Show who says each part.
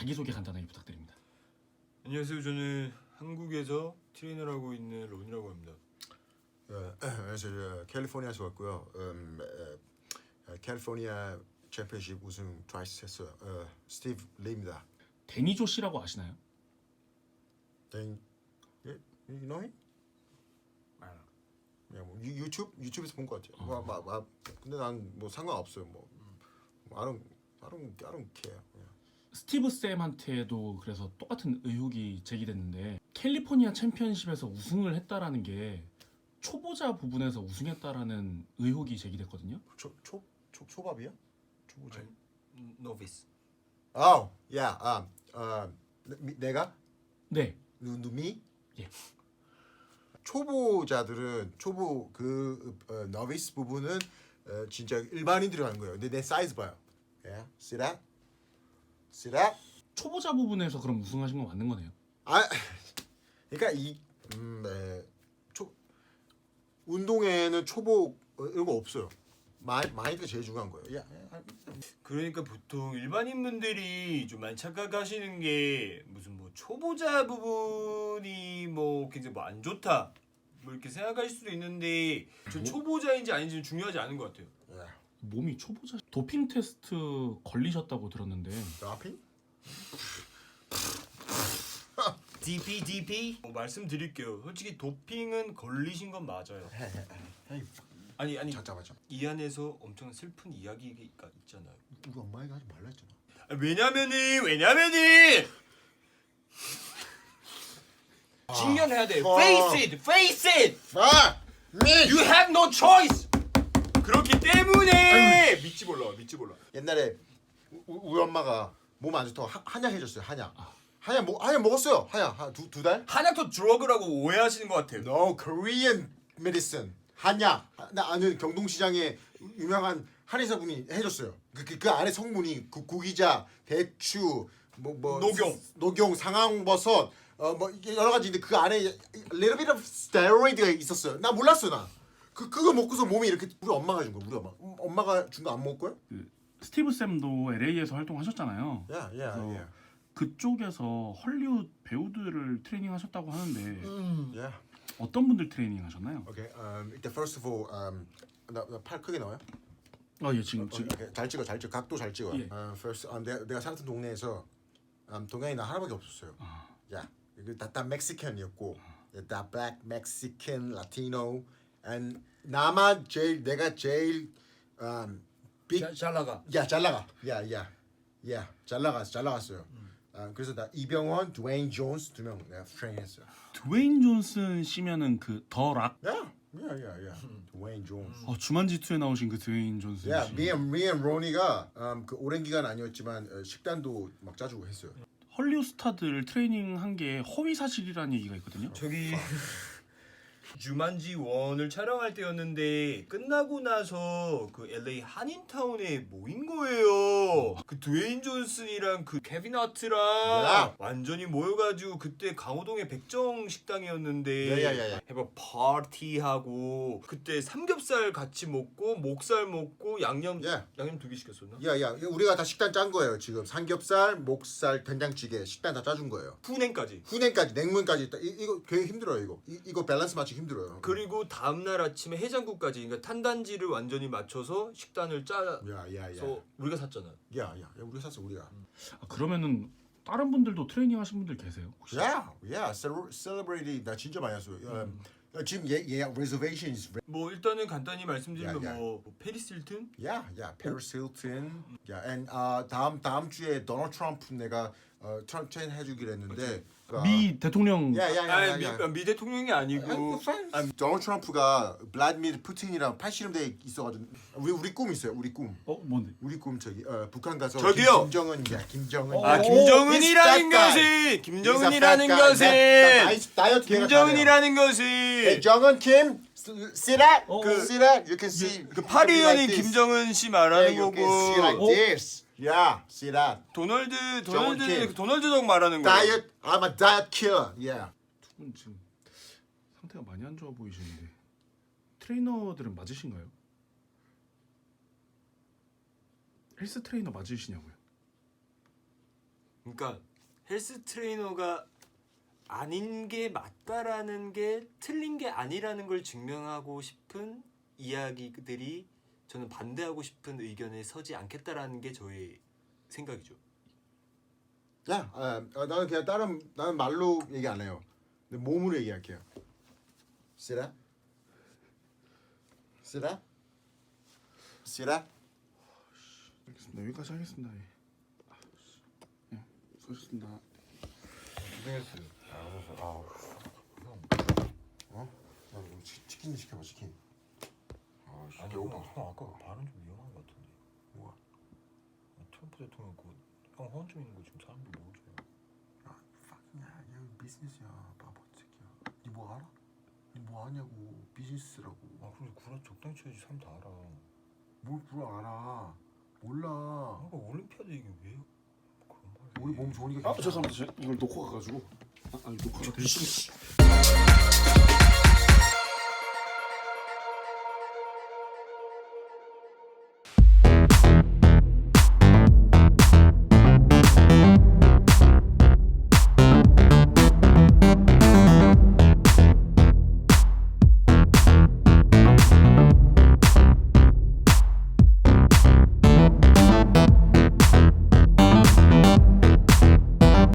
Speaker 1: 자기소개 간단하게 부탁드립니다.
Speaker 2: 안녕하세요. 저는 한국에서 트레이너를 하고 있는 론이라고 합니다.
Speaker 3: 그래서 캘리포니아에서 왔고요. 캘리포니아 챔피언십 우승 트와이스 했어요. 스티브 리입니다.
Speaker 1: 데니조 씨라고 아시나요?
Speaker 3: You know him? 뭐 유튜브에서 본 것 같아요. 근데 난 뭐 상관없어요. I don't care.
Speaker 1: 스티브 쌤한테도 그래서 똑같은 의혹이 제기됐는데 캘리포니아 챔피언십에서 우승을 했다라는 게 초보자 부분에서 우승했다라는 의혹이 제기됐거든요.
Speaker 3: 초밥이야? 초보자.
Speaker 2: 노비스.
Speaker 3: 내가?
Speaker 1: 네.
Speaker 3: 누미?
Speaker 1: 예.
Speaker 3: 초보자들은 너비스 부분은 진짜 일반인들이 하는 거예요. 근데 내 사이즈 봐요. See that?
Speaker 1: 초보자 부분에서 그럼 우승하신 건 맞는 거네요.
Speaker 3: 그러니까 운동에는 초보 이런 거 없어요. 마인드가 제일 중요한 거예요.
Speaker 2: 그러니까 보통 일반인분들이 좀 많이 착각하시는 게 무슨 뭐 초보자 부분이 뭐 굉장히 뭐 안 좋다 뭐 이렇게 생각하실 수도 있는데 저 초보자인지 아닌지는 중요하지 않은 것 같아요.
Speaker 1: 몸이 초보자 도핑 테스트 걸리셨다고 들었는데
Speaker 3: 라핑?
Speaker 2: DP 말씀드릴게요. 솔직히 도핑은 걸리신 건 맞아요. 아니
Speaker 3: 잠깐만.
Speaker 2: 이 안에서 엄청 슬픈 이야기가 있잖아요.
Speaker 3: 우리 엄마가 하지 말라 했잖아.
Speaker 2: 왜냐면은 직면해야 돼. Face it. You have no choice. 그렇기 때문에 믿지 몰라.
Speaker 3: 옛날에 우리 엄마가 몸 안 좋다고 한약 해줬어요. 한약 먹었어요. 한약 두 달?
Speaker 2: 한약도 드러그라고 오해하시는 것 같아요.
Speaker 3: No, Korean medicine. 한약. 나 아는 경동시장에 유명한 한의사분이 해줬어요. 그 안에 성분이 구기자, 대추, 녹용, 상황버섯, 뭐 여러 가지인데 그 안에 little bit of steroid가 있었어요. 나 몰랐어 나. 그거 먹고서 몸이 이렇게 우리 엄마가 준 거야. 우리 엄마가 준 거 안 먹을 거야?
Speaker 1: 스티브 쌤도 LA에서 활동하셨잖아요.
Speaker 3: Yeah.
Speaker 1: 그쪽에서 헐리우드 배우들을 트레이닝하셨다고 하는데
Speaker 3: Yeah.
Speaker 1: 어떤 분들 트레이닝하셨나요?
Speaker 3: Okay. 일단 first of all, 나 팔 크게 나와요?
Speaker 1: 예, 지금
Speaker 3: Okay. 잘 찍어. 각도 잘 찍어.
Speaker 1: 예.
Speaker 3: First, 내가 살았던 동네에서 동양인 나 하나밖에 없었어요. 야, 이거 다 멕시칸이었고, 다 black, Mexican, Latino, and 내가 제일
Speaker 2: 잘 나가.
Speaker 3: 잘 나가. 잘 나갔어요. 그래서 나 이병헌, 드웨인 존스 2명 내가 트레이닝했어요.
Speaker 1: 드웨인 존슨 씨면은 그 더 락.
Speaker 3: 드웨인 존스.
Speaker 1: 주만지투에 나오신 그 드웨인 존슨 씨.
Speaker 3: 미앤 로니가 그 오랜 기간 아니었지만 식단도 막 짜주고 했어요.
Speaker 1: 헐리우드 스타들 트레이닝한 게 허위 사실이라는 얘기가 있거든요.
Speaker 2: 저기 주만지 1을 촬영할 때였는데 끝나고 나서 그 LA 한인타운에 모인 거예요. 그 드웨인 존슨이랑 그 케빈 하트랑 완전히 모여가지고 그때 강호동의 백정 식당이었는데 해봐 파티하고 그때 삼겹살 같이 먹고 목살 먹고 양념 2개 시켰었나?
Speaker 3: 우리가 다 식단 짠 거예요. 지금 삼겹살, 목살, 된장찌개 식단 다 짜준 거예요.
Speaker 2: 후냉까지,
Speaker 3: 냉문까지. 이거 되게 힘들어요. 이거 밸런스 맞추기 힘들어요.
Speaker 2: 그리고 다음날 아침에 해장국까지, 그러니까 탄단지를 완전히 맞춰서 식단을 짜서 우리가 샀잖아.
Speaker 3: 우리가 샀어 우리가.
Speaker 1: 그러면은 다른 분들도 트레이닝 하신 분들 계세요? 혹시?
Speaker 3: celebrity 나 진짜 많이 했어요. 지금 reservations.
Speaker 2: 뭐 일단은 간단히 말씀드리면 뭐 페리스 힐튼?
Speaker 3: Paris Hilton. and 다음 주에 도널드 트럼프 내가 트레인 해주기로 했는데
Speaker 1: 미 대통령.
Speaker 2: 미 대통령이 아니고
Speaker 3: 도널드 트럼프가 블라디미르 푸틴이랑 80년대에 있어가지고 우리 꿈 있어요. 우리 꿈.
Speaker 1: 뭔데?
Speaker 3: 우리 꿈 저기 북한 가서
Speaker 2: 저기요.
Speaker 3: 김정은.
Speaker 2: 김정은이라는 것은
Speaker 3: 김정은 김 see that? See that? You can see
Speaker 2: 그 파리연인 김정은 씨 말하는 거고.
Speaker 3: You can see like this. See that?
Speaker 2: 도널드 덕 말하는 거야.
Speaker 3: Diet. I'm a diet killer.
Speaker 1: 두 분 지금 상태가 많이 안 좋아 보이시는데 트레이너들은 맞으신가요? 헬스 트레이너 맞으시냐고요?
Speaker 2: 그러니까 헬스 트레이너가 아닌 게 맞다라는 게 틀린 게 아니라는 걸 증명하고 싶은 이야기들이 저는 반대하고 싶은 의견에 서지 않겠다라는 게 저의 생각이죠.
Speaker 3: 야, 나는 그냥 나는 말로 얘기 안 해요. 근데 몸으로 얘기할게요. 쓰라? 쓰라? 쓰라?
Speaker 1: 알겠습니다. 여기까지 하겠습니다. 예. 예, 수고하셨습니다.
Speaker 3: 고생했어요. 형. 나 이거 치킨 시켜봐 치킨.
Speaker 2: 아니 형 아까 발언 좀 위험한 것 같은데.
Speaker 3: 뭐야?
Speaker 2: 트럼프 대통령 형 허언증 있는 거 지금 사람들 모르잖아.
Speaker 3: 야, fuck야, 이거 비즈니스야, 바보 새끼야. 니 뭐 알아? 니 뭐 하냐고, 비즈니스라고.
Speaker 2: 아 그래 구라 적당히 쳐야지 사람 다 알아.
Speaker 3: 뭘 구라 알아? 몰라.
Speaker 2: 아까 올림피아드 얘기 왜 그런 말?
Speaker 3: 우리 몸 좋으니까.
Speaker 1: 죄송합니다. 이걸 놓고 가가지고. 아니 녹화가 되시.